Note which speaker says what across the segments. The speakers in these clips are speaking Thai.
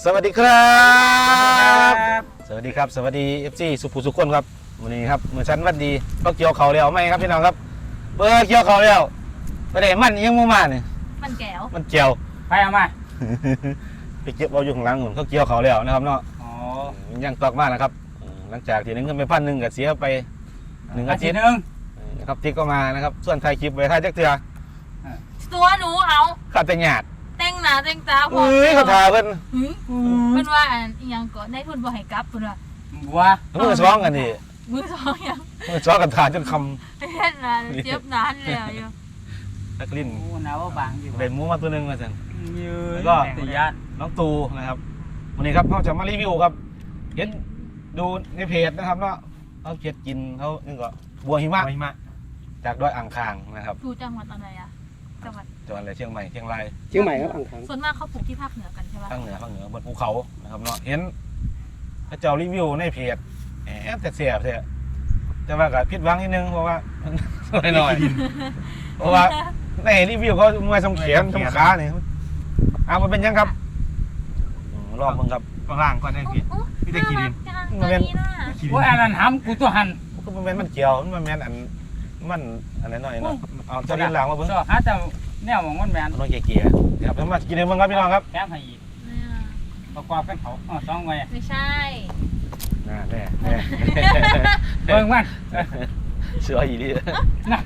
Speaker 1: สวัสดีครับสวัสดีครับสวัสดี FC สุภูสุขคนครับวันนี้ครับเมื่อชั้นวันดีก็เกี่ยวเขาแล้วไหมครับพี่น้องครับเปิดเกี่ยวเขาแล้วไปได้มันยังมาเนี่ย
Speaker 2: มันแก้ว
Speaker 1: มันเกี่ยว
Speaker 3: ไปเอามา
Speaker 1: ไปเก็บเอาอยู่ข้างหลังเขาเกี่ยวเขาแล้วนะครับเนาะยังตอกมากนะครับหลังจากที่นึงเงินไป1,000ก็เสียไป1 อาทิตย์นะครับทิกก็มานะครับส่วนไทยคลิปไว้ท้ายจักเทือ
Speaker 2: ตัวหนูเอา
Speaker 1: ขาดแต่หยาด
Speaker 2: แต่งหน้าแต่งตา
Speaker 1: เฮ้ยเขาทาเพิ่น
Speaker 2: เพิ่นว่าอีหยังก็ได้ทุนบ่ให้กลับเพิ่นว่า
Speaker 1: มือซ้องกันนี่
Speaker 2: มือซ้องยัง
Speaker 1: มือซ้องกันทาจนค
Speaker 2: ำเฮ็ดน่ะเจ็บนานแล้วอยู่
Speaker 1: นักลิ้น
Speaker 3: หนาวบางอยู่
Speaker 1: เป็นหมูมาตัวนึงมาซั่น
Speaker 3: แล้วก็ติยาน
Speaker 1: น้องตูนะครับวันนี้ครับเขาจะมารีวิวครับเห็นดูในเพจนะครับเนาะเขาเก็บกินเขานี่ก็บัวหิมะจากดอยอ่างขางนะครับ
Speaker 2: อยู่จังหวัดอะไรอ่ะจังหวัด
Speaker 1: อะไรเชียงใหม่เชียงราย
Speaker 4: ครับอ่างขาง
Speaker 2: ส่วนมากเขาปลูกที่ภาคเหนือกันใช่ไหม
Speaker 1: ภาคเหนือบนภูเขานะครับเนาะเห็นพระเจ้ารีวิวในเพจแต่เสียบเสียแต่ว่าก็ผิดหวังนิดนึงเพราะว่าหน่อยเพราะว่าในรีวิวเขามวยสมเขียนสมขาเนี่ยมันเป็นยังครับรอบมึงครับข้างล่างก็ได้พี่ได้กี่ดิน
Speaker 2: มันเป็น
Speaker 3: ว่าอันนั้นทำกูตัวหัน
Speaker 1: ก็มันเกี่ยวมันแมนมันอะไรหน่อยเนาะเอาจะเรียนหลังมาเพิ่ง
Speaker 3: ฮะแต่แนวของมันแมน
Speaker 1: น้องเก๋ๆครับมากินเองบ้างครับพี่น้องครับ
Speaker 3: แก้มให้อีกประกอบกันเขา2 ไว้
Speaker 2: ไม่ใช่
Speaker 1: แน่
Speaker 3: เบิ่งมัน
Speaker 1: เสืออีดี
Speaker 3: นะ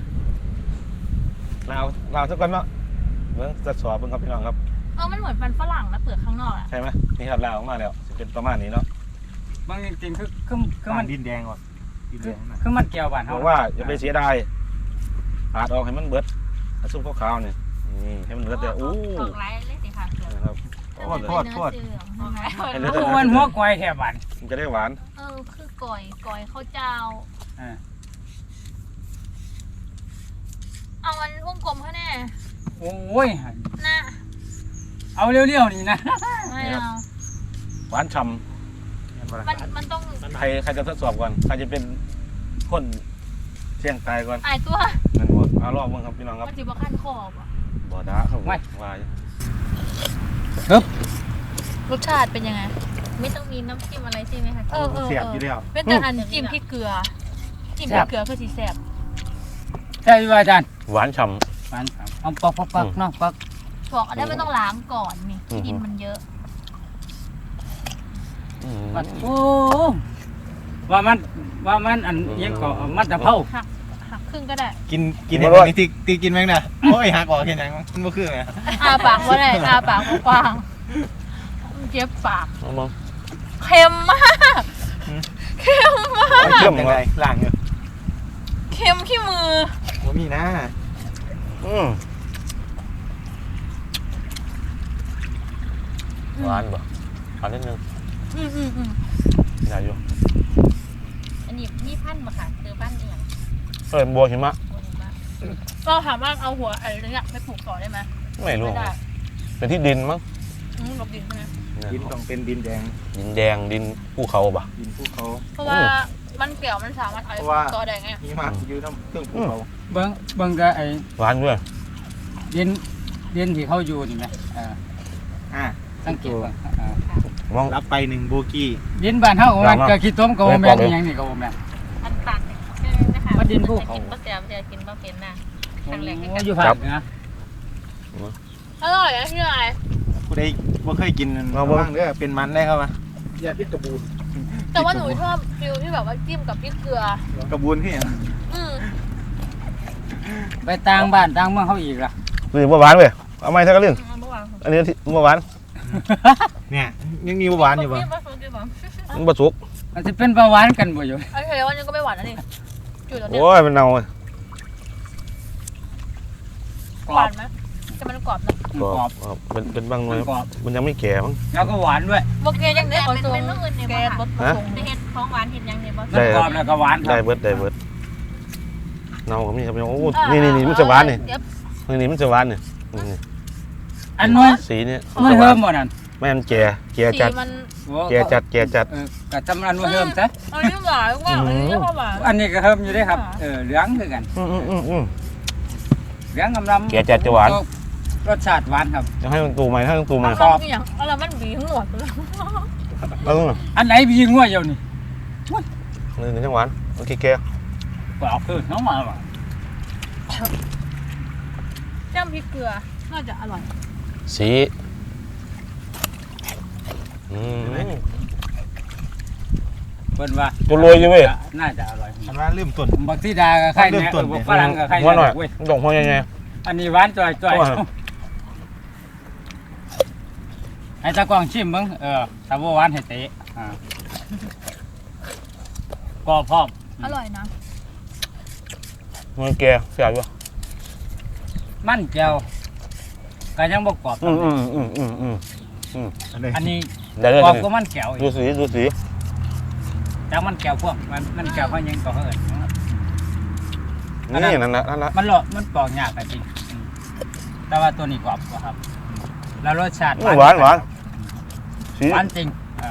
Speaker 1: เราทุกคนเนาะเบิ่งจะสอบเบิ่งครับพี่น้องครับ
Speaker 2: มันเหมือนมันฝรั่งนะเปลือกข้างนอกอ่ะ
Speaker 1: ใช่ไหมนี่ครับลาวออกมาแล้วจะเป็นประมาณนี้เนาะ
Speaker 3: บางจริงๆคือมัน
Speaker 1: ดินแดงว่ะ
Speaker 3: คือมันเกี่ยวบ้าน
Speaker 1: เขาบอกว่าอย่าไปเสียดายปาดออกให้มันเบิดซุปขาวๆนี่ให้มันเบิดแต่
Speaker 2: ออกไร้เลยสิค่ะ
Speaker 1: ครับโทษ
Speaker 3: มันหัวก้อยแถบบ้าน
Speaker 1: มันจะได้หวาน
Speaker 2: คือก่อยข้าวเจ้าเอามันวงกลมเขาแน่
Speaker 3: โอ้ย
Speaker 2: นะ
Speaker 3: เอาเลี้ยวๆนี่นะ
Speaker 2: ไม่เอา
Speaker 1: หวานฉ่
Speaker 2: ำมันต้อง
Speaker 1: ใครจะทดสอบก่อนใครจะเป็นคนเสี่ยงตายก่อน
Speaker 2: ตัว
Speaker 1: นั่นหมดรอบมึงครับพี่น้องครับ
Speaker 2: มันจีบขั้นคอบ
Speaker 1: บ่ด่าเขาวาย
Speaker 2: รสชาติเป็นยังไงไม่ต้องมีน้ำจิ้มอะไรใช่ไหมคะ
Speaker 1: เสียบอยู่แล้ว
Speaker 2: เป็นแต่อันจิ้มพริกเกลือจิ้มพริกเกลือคือสีแสบ
Speaker 3: ใช่ไหมอาจารย์
Speaker 1: หวานฉ่
Speaker 3: ำเอาปักเนาะปัก
Speaker 2: อันนี้ไม่ต้องล้างก่อนนี่ดินมันเยอะ
Speaker 3: โอ้ว่ามันอันยังก็มัดตะเภา
Speaker 2: หักครึ่งก็ได้
Speaker 4: กินอย่างนี้ตีกินไหมนะโอ้ยหักออกแค่ไหนมันบ่คือไง
Speaker 2: ปากว่าได้ปากกว้างเจ็บปากเค็มมาก
Speaker 1: เข้มยังไงล่างอยู่
Speaker 2: เค็มขี้มือ
Speaker 4: ว่ามีนะ
Speaker 1: หวานบ่หวานนิดนึงอยากอยู่
Speaker 2: อันนี้นี่พันธุ์มาค่ะเจอบ้านเอง
Speaker 1: บัวหิมะ
Speaker 2: ก็ถามว่าเอาหัวอะไรเนี่ยไปปลูกต่อได้ไหม
Speaker 1: ไม่รู้เป็นที่ดินมั้ง
Speaker 2: ลบดินใช่ไหม
Speaker 4: ดินต้องเป็นดินแดง
Speaker 1: ดินภูเขาป่ะ
Speaker 4: ดินภูเขา
Speaker 2: เพราะว่ามันเกี่ยวมันสามารถเอาไปปลูกต่อได้ไง
Speaker 4: หิมะอยู่น้ำเครื่องภูเขา
Speaker 3: เบิ้งก็ไอ้
Speaker 1: หวานด้วย
Speaker 3: ดินที่เขาอยู่นี่ไหมสังเกต
Speaker 1: มอง
Speaker 4: รับไป1 โบกี้
Speaker 3: ดินบ้านเฮามันก็ขี้ต้มก็แม่นอย่างนี้ก็แม่น
Speaker 2: อันปากใช่ไหมคะ
Speaker 3: ดินภูเขา
Speaker 2: ก็เสียจะกินก็เป็นนะทางแหลกให้
Speaker 3: อยู่ภาคนะ
Speaker 2: อร่อยนะที่ไหน
Speaker 4: ผู้ใดบ่เคยกินบ้างเด้อเป็นมันได้ครับมาอย่าพิษกระบูน
Speaker 2: แต่ว่าหนูชอบฟิลที่แบบว่าจิ้มกับพริกเกลื
Speaker 4: อกระบูนพี่
Speaker 3: ไปต่างบ้านต่างเมืองเขาอีกล่ะ
Speaker 1: นี่บัวหวานเว้ยเอาไม้ทักกระลิ่นอันนี้บัวหวาน
Speaker 4: เนี่ยยังมีหวานอยู่ป่ะ
Speaker 1: มันบะสุก
Speaker 3: มันจะเป็นเบาหวานกันบ่อยู่
Speaker 2: โอเควันนี้ก็ไม่หวานแล้วนี่
Speaker 1: โอ้ยมันเน่าเลย
Speaker 2: หวานไหมจะมันกรอบนะ
Speaker 1: กรอบเป็นบางหน่วยมันยังไม่แก่มั้ง
Speaker 3: แล้วก็หวานด้วย
Speaker 2: โอเคยังได้ผสมแกงรสผสมเห็ดของหวานเห็ดยังเนี่ยผสม
Speaker 3: กรอบแล้วก็หวาน
Speaker 1: ได้เบิดเน่าก็มีครับโอ้นี่มันจะหวานนี่มันจะหวานนี่
Speaker 3: อันนู้น
Speaker 1: สีนี่
Speaker 3: มันเพิ่มหมดนั่น
Speaker 1: ไม่มันแก่จัด
Speaker 3: กับจำรันว่าเพิ่มซะ
Speaker 2: อันนี้หวานว่าอันนี้ก็หวาน
Speaker 3: อันนี้ก็เพิ่มอยู่ด้วยครับเหลืองคือกันเหลืองกำลัง
Speaker 1: แก่จัดจะหวาน
Speaker 3: รสชาติหวานครับ
Speaker 1: จะให้มันตูไหมให้มันตูไหม
Speaker 2: มันอย่างอะไรมันบีหัวเลย
Speaker 1: แล้วต้อง
Speaker 3: อันไหนพี่งัวเดียวนี่
Speaker 1: นี่จังหวานโอเคแก
Speaker 3: ก็เอาคือน้องมาว่ะ
Speaker 2: จ้ำพริกเกลือน่าจะอร่อย
Speaker 1: สี
Speaker 3: เพิ่นว่า
Speaker 1: ตัวรวยอยู่เว้ย
Speaker 3: น่าจะอร่อย
Speaker 4: อันว่าลืมต้น
Speaker 3: บางที่ดากับไข่เนี่ยฝรั่งกับไข่
Speaker 1: หัวหน่อย
Speaker 3: เว้ย
Speaker 1: ดอกหัวยังไง
Speaker 3: อันนี้หวานจ่อยให้ตากล้องชิมมึงถ้าบ่หวานให้เตะก็พร้อม
Speaker 2: อร่อยนะ
Speaker 1: มันแกเสียอยู่
Speaker 3: มันแก้วก็ยังบ่กรอบ อันนี้
Speaker 1: เดี๋ยว
Speaker 3: กรอบก็มันแก้วอี
Speaker 1: ดู
Speaker 3: ก
Speaker 1: สี
Speaker 3: จากมันแก้วพวกมันแก้วเขายังก็เอิ้น
Speaker 1: นี่นั่นละ
Speaker 3: มันปอกยากจริงแต่ว่าตัวนี้กรอบกว่าครับ แล้วรสชาติ
Speaker 1: หวานสี
Speaker 3: หวานจริง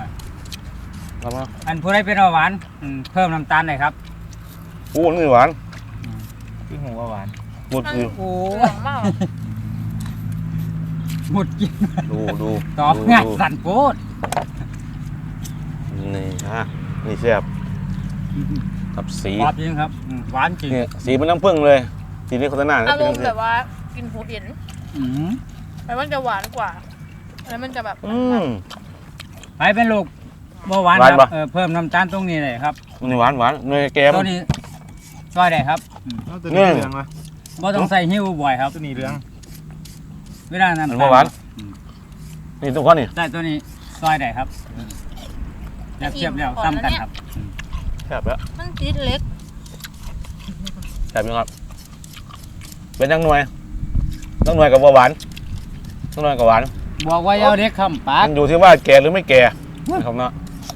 Speaker 3: อันผู้ใดเป็นเบาหวานเพิ่มน้ำตาลหน่อยครับ
Speaker 1: โอ้นี่หวาน
Speaker 4: คือหัวหวาน
Speaker 1: หมดสิ
Speaker 3: โอ้
Speaker 2: เหลืองมาก
Speaker 3: หมดกิน
Speaker 1: ดู
Speaker 3: ตอบง่ายสั่นโพด
Speaker 1: นี่นี่แซ่บกับสี
Speaker 3: กรอบจริงครับหวานจริง
Speaker 1: เนี่ยสีมันน้ำผึ้งเลยสีนี้โฆษณา
Speaker 2: อารมณ์แบบว่ากินหูเอ็น
Speaker 3: อืม
Speaker 2: แต่มันจะหวานกว่าแล้วมันจะแบบ
Speaker 3: ไปเป็นลูกเบาหวานครับเพิ่มน้ำตาลตรงนี้เลยครับ
Speaker 1: นี่หวานเนยแกม
Speaker 3: ตัวนี้ซอยได้ครับ
Speaker 4: ตัวนี้เหลืองวะ
Speaker 3: บ่ต้องใส่หิ้วบ่อยครับ
Speaker 4: ตัวนี้เหลือง
Speaker 3: เวลาน้ำ
Speaker 1: มัน
Speaker 3: ตาล
Speaker 1: หวานนี่ทุกคนนี่
Speaker 3: ได้ตัวนี้ซอยได้ครับแล้วเทียบแล้วซ้ำกันครับ
Speaker 1: แซ่บแล้ว
Speaker 2: มันจี๊ดเล็ก
Speaker 1: แซ่บยังครับเป็นยังหน่วยต้องหน่วยกับหวานต้องหน่วยกับหวาน
Speaker 3: บอกว่าเอาเด็กคำปาก
Speaker 1: มันอยู่ที่ว่าแก่หรือไม่แก่นะครับเนาะ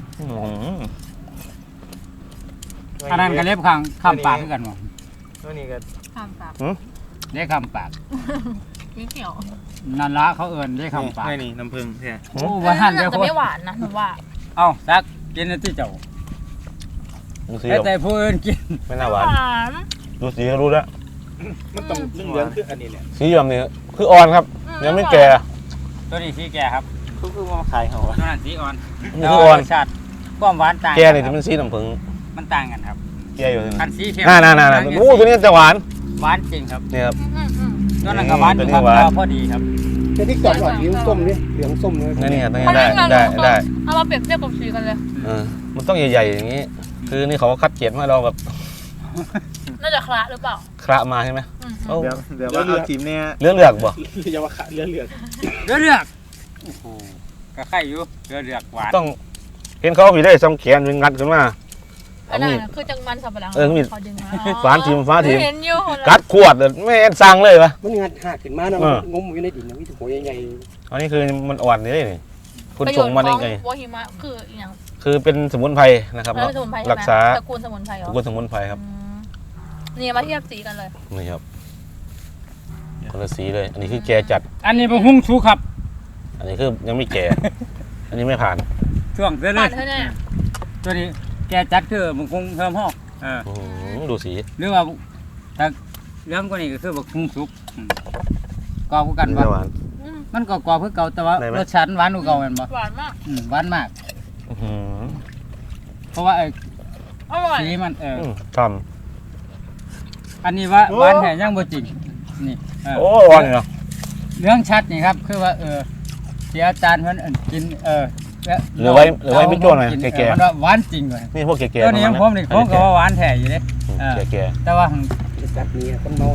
Speaker 3: อันนั้นก็เล็บข้างคำปากคือกันบ่
Speaker 4: ตัวนี้ก็
Speaker 2: ข้ามปาก
Speaker 3: เด็กคำปาก
Speaker 2: มีเขียว
Speaker 3: นั่นละเขาเอิ้นเด็กคำปาก
Speaker 4: นี่น้ำผึ้งใช่
Speaker 3: โอ้ว่าหัน
Speaker 2: มั
Speaker 3: เดี๋ยว
Speaker 2: จะ
Speaker 3: คน
Speaker 2: ไม่หวานนะหนูว่า
Speaker 3: เอ้าซักกินอันที่เจ้า
Speaker 1: ดูสี
Speaker 3: แต่ผู้อื่นกิน
Speaker 1: ไม่น่าหวาน
Speaker 2: น
Speaker 1: ดูสีก็รู้แล้ว
Speaker 4: มันต้องเหลืองคืออันนี้แหละ
Speaker 1: สีแบบนี้คืออ่อนครับยังไม่แก่
Speaker 3: ตัวนี้สีแก่ครับ
Speaker 4: คือมาขายเขา
Speaker 3: ตัวนั้นสีอ่อน
Speaker 1: นี่คืออ่อน
Speaker 3: รสชาติความหวานต่าง
Speaker 1: แก่นี่
Speaker 3: ค
Speaker 1: จะ
Speaker 3: รับ
Speaker 1: เป็นสีน้ำผึ้ง
Speaker 3: มันต่างกันครับ
Speaker 1: แก่อยู่นี่
Speaker 3: คันสีเข้ม
Speaker 1: น่าโอ้ตัวนี้จะหวาน
Speaker 3: หวานจริงครับ
Speaker 1: เนี่ยครับ
Speaker 3: ตัวนั้นก็หวานอยู่ครับ
Speaker 1: ตัวนี้หวาน
Speaker 3: ก็พอดีครับ
Speaker 5: แต่ที่ก่อนหวานเหลืองส้มนี่เหลืองส้มเลย
Speaker 1: นี่ตัวนี้
Speaker 2: มัน
Speaker 1: ได้
Speaker 2: ไม่
Speaker 1: ได้
Speaker 2: เอามาเปรียบเทียบกับสีกันเลย
Speaker 1: มันต้องใหญ่ๆอย่างนี้ คือนี่เขาคัดเกรดมาเราแบบ
Speaker 2: น่าจะคละหรือเปล่า
Speaker 1: คระมาใช่ไหม
Speaker 4: เดี๋ยวว่าเอาทีมเนี่ย
Speaker 1: เลือกบ่
Speaker 5: อย่าว่าขาเหลือง
Speaker 3: เลือกโอ้โหก็ไข่อยู่เลือกหวาน
Speaker 1: ต้องเห็นเขาผีได้ซ้ำแขนเป็นงัดขึ้นมา
Speaker 2: อันนั้นคือจังมันสับปะหลัง
Speaker 1: มีด
Speaker 2: ขอดึงมา
Speaker 1: ฟ้าทีม
Speaker 2: เห็นอยู่
Speaker 1: กัดขวดเลยไม่เห็นสั่งเลยวะ
Speaker 5: มันงัดหักขึ้นมาเนาะงมอยู่ในดินมีแต่หัวใหญ่
Speaker 1: อันนี้คือมันอ่อนนี่คุณส่งมาได้ไง
Speaker 2: วอหิมะคืออย่าง
Speaker 1: คือเป็นสมุนไพรนะครับ
Speaker 2: แล้วสมุนไพรใช่ไหม
Speaker 1: รักษา
Speaker 2: ตระกูลสมุนไพรเหรอ
Speaker 1: ตระกูลสมุนไพรครับ
Speaker 2: นี่มาเทียบสีกันเลย
Speaker 1: นี่ครับคนละสีเลย อันนี้คือแกจัด
Speaker 3: อันนี้เป็นหุ้งชูครับ
Speaker 1: อันนี้คือยังไม่แก่ อันนี้ไม่ผ่าน
Speaker 3: ช่วงเรื่
Speaker 2: ผ่า
Speaker 3: อน ย
Speaker 2: เธอแน่
Speaker 3: ๆตัวนี้แกจัดคือมันคงเพิ่มห้อง
Speaker 1: ดูสี
Speaker 3: หรือว่าถ้าเรื่องกว่านี้ก็คือบักหุ้งสุกกรอบกัน
Speaker 1: นี่
Speaker 3: ว่า
Speaker 1: หวาน
Speaker 3: มันก็กรอบคือเก่าแต่ว่า
Speaker 1: ได้ไหม
Speaker 3: รสชาติหวานกว่าเก่าแม่นบ่
Speaker 2: หวานมาก
Speaker 3: หวานมาก
Speaker 1: อื้อหือ
Speaker 3: เพราะว่า
Speaker 2: อร่อย
Speaker 3: สีมัน
Speaker 1: ท
Speaker 3: อันนี้ว่าหวานแท้ยังบ่จริงนี่
Speaker 1: ำโอ้อ่อนเนาะ
Speaker 3: เรื่องชัดนี่ครับคือว่าที่อาจารย์เพิ่นกิน
Speaker 1: หรือไว้ไม่จ้วงหน่อยแก่
Speaker 3: มันว่าหวานจริงเลย
Speaker 1: ๆนี่พวกแก่ๆ
Speaker 3: ตัวนี้ผมนี่ผมก็ว่าหวานแท้อยู่เด้
Speaker 1: แก่
Speaker 3: แต่ว่า
Speaker 5: ๆจัดนี้คนเมา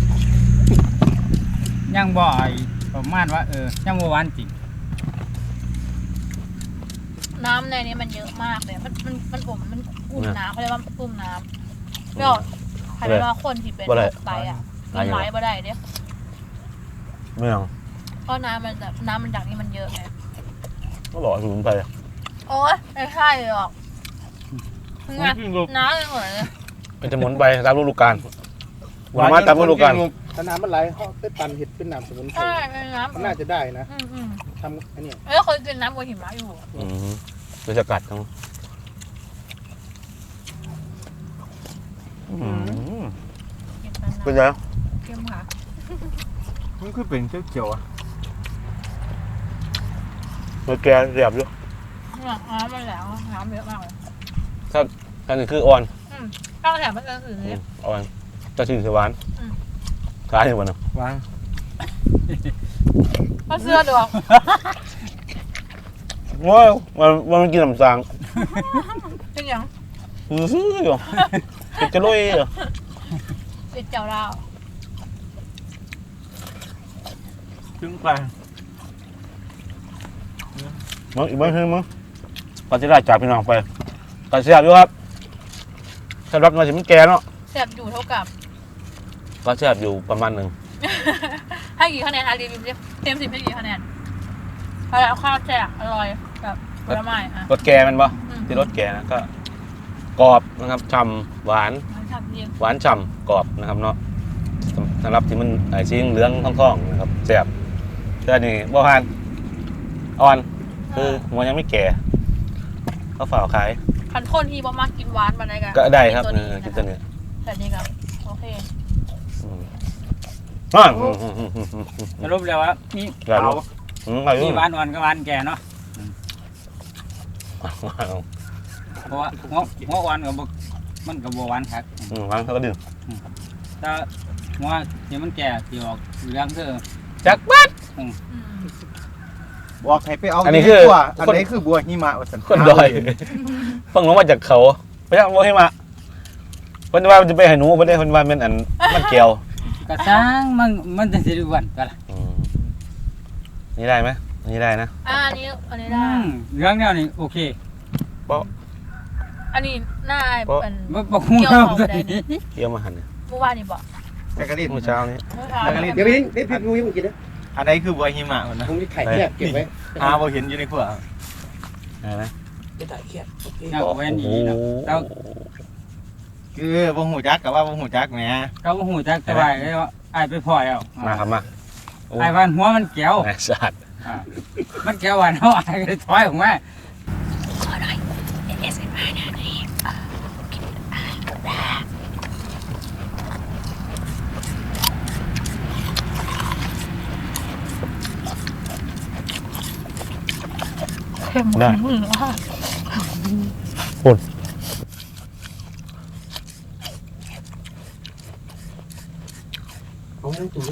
Speaker 3: ยังบ่ประมาณว่ายังบ่หวานจริง
Speaker 2: น้ำในนี้มันเยอะมากเลยมันอุ่มน้ำเขาเรียกว่าอุ่มน้ำก็ใครเรียกว่าคนที่เป็นไตอ่ะกินไม้บ่ได้เด้
Speaker 1: ๆไม่เอา
Speaker 2: เพราะน้ำมันจากนี้มันเยอะไง
Speaker 1: ก็หล่อสมุนไพร
Speaker 2: โอ๊ยไม่ใช่หรอกงานน้ำเลยเหมือนเลย
Speaker 1: เป็นสมุนไพรตามฤดูกาลผลไม้ตามฤดูกาล
Speaker 5: ถ้าน้ำมันไหลเขาไปปั่นเห็ดเป็นน้ำสมุนไพร
Speaker 2: ใช่เป็นน้ำ
Speaker 5: มันน่าจะได้นะ
Speaker 2: อืม
Speaker 5: ทำอันเนี้ย
Speaker 2: เคยกินน้ำบัวหิมะอยู่
Speaker 1: โดยสกัดทั้งเป็นไง
Speaker 2: เค็มค่ะ
Speaker 4: มันคือเป็นเขียวๆอ่ะ
Speaker 1: มันแกเสียบอยู่
Speaker 2: น้ำมันแหลวน้ำเยอะมากเลย
Speaker 1: อันนี้คืออ่อน
Speaker 2: ข้าวแถมมันก็คือ
Speaker 1: อ่อนจะชื่อสวานขายอยู่วันนึง
Speaker 4: วาง
Speaker 2: ข้าวเสื้อดอก
Speaker 1: ว้าวมันกินน้ำสาง
Speaker 2: เป็นยัง
Speaker 1: ซื้ออยู่จะลุยเหรอ
Speaker 2: ติดเจ้าเรา
Speaker 4: ถึงไป
Speaker 1: มึงอีกบ้างคือมึงก่อนจะได้จากพี่น้องไปก่อนเสียบอยู่ครับสำหรับเงินสิมันแก่เนาะ
Speaker 2: แสบอยู่เท่ากับ
Speaker 1: ก็เสียบอยู่ประมาณหนึ่ง
Speaker 2: ให้กี่คะแนนรีวิวเต็ม10ให้กี่คะแนนเพราะแล้วข้าวแซ่บอร่อยแบบผลไม้อ่ะ
Speaker 1: รสแก่มันปะที่รสแก่นะก็กรอบนะครับฉ่ำหวาน
Speaker 2: มันทำเอง
Speaker 1: หวานฉ่ำกรอบนะครับเนาะสำหรับที่มันสีเหลืองทองๆนะครับเสียบแต่อันนี่บ่ผ่านอ่อนคือหัวยังไม่แก่ก็ฝ่าขาย
Speaker 2: พันคนที่บ่มากกินหวานมาได้กัน
Speaker 1: ก็ได้ครับ
Speaker 2: ตัวนี้
Speaker 1: กินตัวนี้
Speaker 2: แต่นี่ก็โอเค
Speaker 1: อ่า
Speaker 3: สรุปแล้วว่ามี
Speaker 1: หลายลูกหลายลู
Speaker 3: มี
Speaker 1: ก
Speaker 3: หวานอ่อนกับหวานแก่เนาะเพราะว่าหัวอ่อนกับมันกับบัวหวานครับ
Speaker 1: หวานเขาก็ดื่ม
Speaker 3: ถ้าหัวที่มันแก่ที่ออกเหลืองคือ
Speaker 1: จักบัด
Speaker 4: บอกให้ไปเอา
Speaker 1: อันนี้คือ
Speaker 4: บัวอันนี้คือบัวหิมะว่าสัน
Speaker 1: คนดอยเพิ่งลงมาจากเขาพระเจ้าโมให้มาเพิ่นว่ามันจะไปให้หนูเพิ่นได้เพิ่นว่ามันอันมันเกี่ยว
Speaker 3: กระซังมันจะสิริวันก็ล่ะ
Speaker 1: นี่ได้ไหมนี่ได้นะ
Speaker 2: อันนี้ได้
Speaker 3: เหลืองเนี่ยนี่โอเค
Speaker 2: อันนี้หน้าเป็น
Speaker 3: บ่ฮู้
Speaker 2: เกี่ยว
Speaker 3: เนาะ
Speaker 2: ของได้นี่
Speaker 1: เกี่ยวมาหันเนี่ย
Speaker 2: เมื่อวานนี่บอก
Speaker 4: แต่กระดิ่ง
Speaker 1: เมื่อเช้านี้
Speaker 2: เมื่อเช้า
Speaker 5: เดี๋ยวพี่นี่พี่ดูยังกินนะ
Speaker 4: อันนี้คือบัวหิมะมันนะ
Speaker 5: ผมจะไข่เนี่ยเก็บไว้
Speaker 4: หาบ่เห็นอยู่ในขวด
Speaker 1: ได้ไหม
Speaker 5: จะถ่ายเครียดโอเค
Speaker 3: เอาไว้นี่เนาะแล้ว
Speaker 4: คือบ่หูจักกับว่าบ่หูจักแหม
Speaker 3: เขาบ่ฮู้จักแต่ว่าอ้ายไปพ่อยเอา
Speaker 1: มาครับมา
Speaker 3: อ้ายว่าหัวมันแก้ว
Speaker 1: แหม่สัตว์
Speaker 3: มันแก้วหวานเฮาอ้ายก็เลยถอยออกมา
Speaker 2: ขอหน่อย ASMR นะนี่กินเค็มมืออ่ะ
Speaker 5: เอาเรื่องจุ๊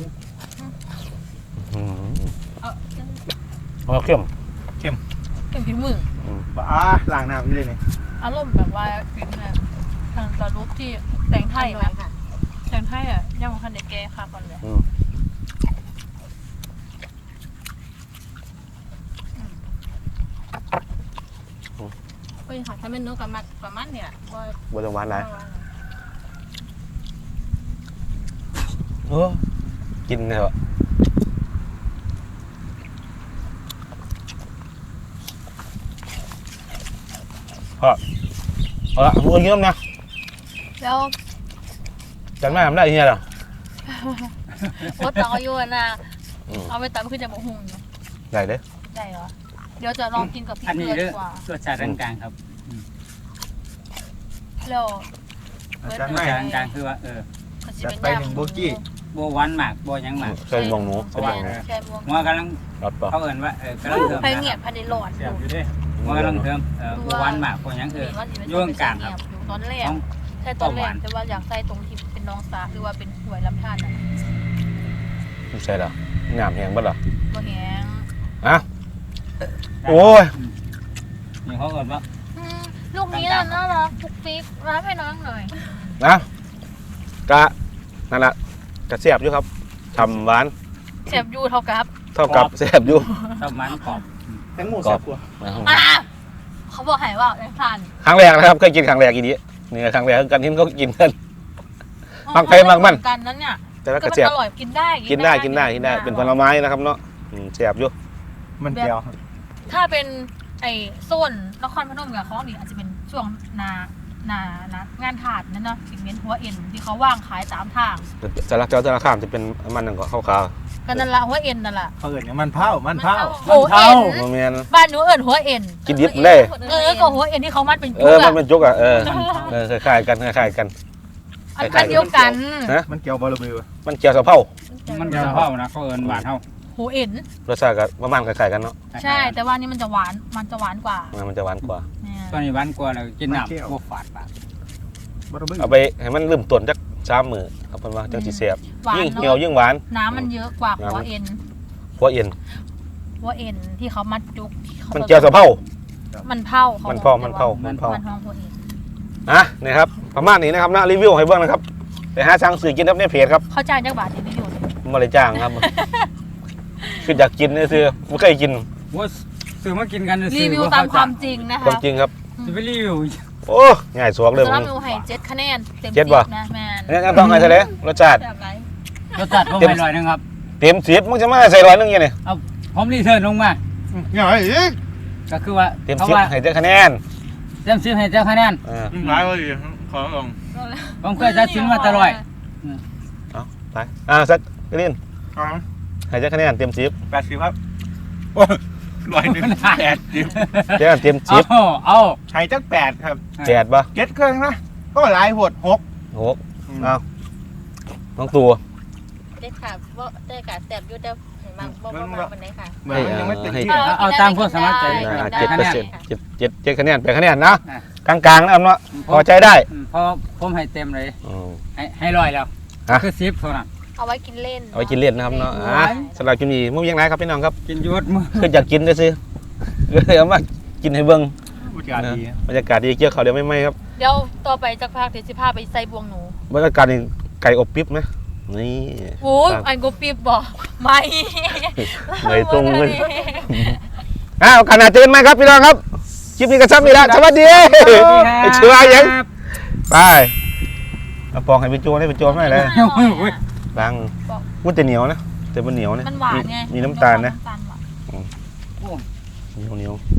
Speaker 1: เอาเข้ม
Speaker 2: เค็มผิวมือ
Speaker 4: บ้าล้างน้ำนี่เลยนี่
Speaker 2: อารมณ์แบบว่าฟิล์มเนี่ยทางตาลุกที่แต่งไทยนะแต่งไทยอ่ะยังมันคันเด็กแก่ค่ะก่อนเลย
Speaker 6: เฮ้ยค่ะถ้าเป็นนกกับมัดประมาณเนี่ยบ่
Speaker 1: บนจังหวัดไหนกินเนี่ยวะพ่อเอาละมึงกินน้ำนะ
Speaker 2: แล้ว
Speaker 1: จังหน้าทำได้ที่ไหนหรอ
Speaker 2: โอ๊ตต้องอายุนะเอาไปตำขึ้นจะบอกหุ่น
Speaker 1: ได้เด้
Speaker 2: ได้เหรอเดี๋ยวจะลองกินกับพี่
Speaker 3: อันนี้
Speaker 2: เกลือ
Speaker 3: เด้
Speaker 2: ดี
Speaker 3: อก
Speaker 2: ว่า
Speaker 3: รสชาติกลางๆครับ
Speaker 2: แล้ว
Speaker 4: อาจารย์
Speaker 3: รส
Speaker 4: ไม่
Speaker 3: ชาติกลางๆคือว่า
Speaker 4: จัดไปหนึ่งโบกี้
Speaker 3: บ่หวานมากบ่หยังมาก
Speaker 1: ใส่บองหนูใส่บองหนู
Speaker 2: ใช่บวง
Speaker 3: หัวกำลัง
Speaker 1: รับป่ะ
Speaker 3: เขาเอิ้นว่ากำลังเทิม
Speaker 2: ไฟเงียบภายในหลอด
Speaker 3: เสียบอยู่เด้หัวกำลังเทิมบ่หวานมากบ่หยังย่งกลางครับ
Speaker 2: ตอนแรกใช่ตอนแรกแต่ว่าอยากใส่ตรงที่เป็นน้องสาคือว่าเป็นหวยลำธารน่ะ
Speaker 1: ใช่หรอหนามแหงบ้าหรอ
Speaker 2: บ่แหง
Speaker 1: โอ้ย
Speaker 3: นี่เขาเอิ้นว่า
Speaker 2: ลูกนี้น่ารักฟุกฟิกรับให้น้องหน่อย
Speaker 1: นะกะนั่นแหละกะเสียบอยู่ครับฉ่ำหวาน
Speaker 2: เสียบยูเท่ากับ
Speaker 1: เท่ากับเสียบอยู่
Speaker 3: ประมาณกรอบ
Speaker 5: แตงโมแซ่บกว่า
Speaker 2: เขาบอกให้ว่าในทาน
Speaker 1: ครั้งแรกนะครับเคยกินครั้งแรกอีนี้นี่ครั้งแรกกันที่เขากินกัน มักไปมักมัน
Speaker 2: กันนั้นเนี่ย
Speaker 1: แต่ว่า
Speaker 2: ก็
Speaker 1: กะ
Speaker 2: มัน
Speaker 1: เสียบ
Speaker 2: อร่อยกินได้
Speaker 1: กินได้เป็นผลไม้นะครับเนาะเสียบอยู่
Speaker 4: มันแก้ว
Speaker 2: ถ้าเป็นไอ้โซนนครพนมกับของดีอาจจะเป็นช่วงงานถาดนั่นเนาะสิ่งเน้นหัวเอ็นที่เขาว่างขายตามทาง
Speaker 1: สารเจ้าสารข้ามจะเป็นมันหนึ่งก็ข้าวขาว
Speaker 2: ก็นั่นละหัวเอ็นนั่นละ
Speaker 4: เขาเอิ้นมันเผามันเผา
Speaker 2: หัวเอ็น
Speaker 1: โมเมน
Speaker 2: บ้านหนูเอิญหัวเอ็น
Speaker 1: กินดิบเลย
Speaker 2: ก็หัวเอ็นที่เขามัดเป็น
Speaker 1: เอ
Speaker 2: จุก
Speaker 1: อมัน
Speaker 2: อะ
Speaker 1: เป็นจุกอ่ะคล้ายๆกัน
Speaker 2: อันเดียวกัน
Speaker 4: มันแก้วบอลลูน
Speaker 1: มันเกี่ยวกับเผา
Speaker 2: เ
Speaker 3: มันจะเผานะเขาเอิ้นหวานเฮา
Speaker 2: โหเอ็น
Speaker 1: รสชาติก็ประมาณคล้ายๆกันเนาะ
Speaker 2: ใช่แต่ว่านี่มันจะหวานกว่า
Speaker 1: มันจะหวานกว่า
Speaker 2: เนี่ย
Speaker 3: ตอนนี้หวานกว่าแล้วกินน้ำบ่ฝาดปาก
Speaker 4: บ่ต้องเบิ่ง
Speaker 1: เอาไปให้มันลืมต้นจัก3 มื้อครับเพิ่นว่าจังสิแซ่บ
Speaker 2: หวาน
Speaker 1: ยิ่งเหี่ยว
Speaker 2: เนาะ
Speaker 1: ยิ่งหวาน
Speaker 2: น้ำมันเยอะกว่าหัวเอ็น
Speaker 1: หัวเอ็น
Speaker 2: ที่เขามัดจุกที่ขา
Speaker 1: มันเจียวสะเผา
Speaker 2: มันเผาเขา
Speaker 1: มัน
Speaker 2: บอก
Speaker 1: เผา
Speaker 2: มันท้องหัวเอ็น
Speaker 1: นี่ครับประมาณนี้นะครับนะรีวิวให้เบิ่งนะครับไปหาสั่งซื้อกินครับในเพจครับ
Speaker 2: เขาจ่ายจักบาทที่นี่อยู่
Speaker 1: บ่ได้จ้างครับ คืออยากกินซื่อๆบ่เคยกิน
Speaker 3: ว่าซื้อมากินกัน
Speaker 2: รีวิวตามความจริงนะ
Speaker 1: ความ
Speaker 2: คะ
Speaker 1: จริงครับ
Speaker 3: จะไปรีวิว
Speaker 1: โอ้ง่ายสวกเลย
Speaker 2: สำห
Speaker 1: มึ
Speaker 2: รับ
Speaker 1: ง
Speaker 2: หนูให้7 คะแนนเต็ม
Speaker 1: เจ็ด
Speaker 2: 10
Speaker 1: บ่
Speaker 2: นะแมน
Speaker 1: เนี่ยต้องให้เท่าไหร่รสชาติ
Speaker 2: แบบไหน
Speaker 3: รสชาติผมให้100นึงครับ
Speaker 1: เต็ม10มึงจะมาใส่100นึงยังไง
Speaker 3: ผมรีเทิร์นลงมา
Speaker 4: อย่าไอ้อีก
Speaker 3: ก็คือว่า
Speaker 1: เต็ม
Speaker 3: เพราะว่า
Speaker 1: 10ให้เจ็ดคะแนน
Speaker 3: เต็ม10ให้เจ้าคะแนน
Speaker 4: หลายว่าดิขอลง
Speaker 3: ผมเคยตัดสินมาตลอด
Speaker 1: ไปสักกรีน
Speaker 4: ครับ
Speaker 1: ให้เจ็ดคะแนนเต็ม10
Speaker 4: 80ครับโอ้ย100นึง80
Speaker 1: เจ็ดเต็ม
Speaker 3: เอา
Speaker 4: ให้จัก8ครับ
Speaker 1: 10 8ป่ะ
Speaker 4: เก็ดเครื่องนะก็หลายโหด6
Speaker 1: 6เอาน้องตัว
Speaker 6: ได้ค่ะว่าได้ค่ะแสบอยู่แต่เห็นมันบ่มาวันไหนค่ะ
Speaker 4: เหมือนยังไม่ติดที่
Speaker 3: เอาตามความสามารถใจ
Speaker 1: 7%7คะแนน8คะแนนนะกลางๆนะครับเนาะพอใจได้
Speaker 3: เพราะผมให้เต็มเลย
Speaker 1: อืม
Speaker 3: ให้100แล้ว
Speaker 1: ฮะ
Speaker 3: คือ10เท่านั้น
Speaker 2: เอาไว้กินเล่น
Speaker 1: เอาไว้กินเล่นนะครับเนาะสำหรับคลิปนี้มุ่งยังไงครับพี่น้องครับ
Speaker 3: กินยุดมือ
Speaker 1: คืออยากกินซื้อก็เลยเอามากินให้เบิ่ง
Speaker 4: บรรยากาศดี
Speaker 1: บรรยากาศดีเกี่ยวเขาวเดี๋ยวไม่ครับ
Speaker 2: เดี๋ยวต่อไปจะพาเดี๋ยวจะพาไปใส่บวงหนู
Speaker 1: บรรยากาศนี่ไก่อบปิ๊บไหมนี่
Speaker 2: โอ้ยอันกูปีบบอกไม่
Speaker 1: ไม่ตรงเลยขนาดเจอกันไหมครับพี่น้องครับคลิปนี้ก็ซ้ำอีกแล้วสวัสดีไอ้เชื่อยังไปเอาปองให้เป็นโจรให้เป็นโจรไม่เลยดังมันจะเหนียวนะแต่มันเหนียวนะ
Speaker 2: มันหวานไง
Speaker 1: มีน้ำตาลนะ
Speaker 2: ำตาลหวาน
Speaker 1: เหนียว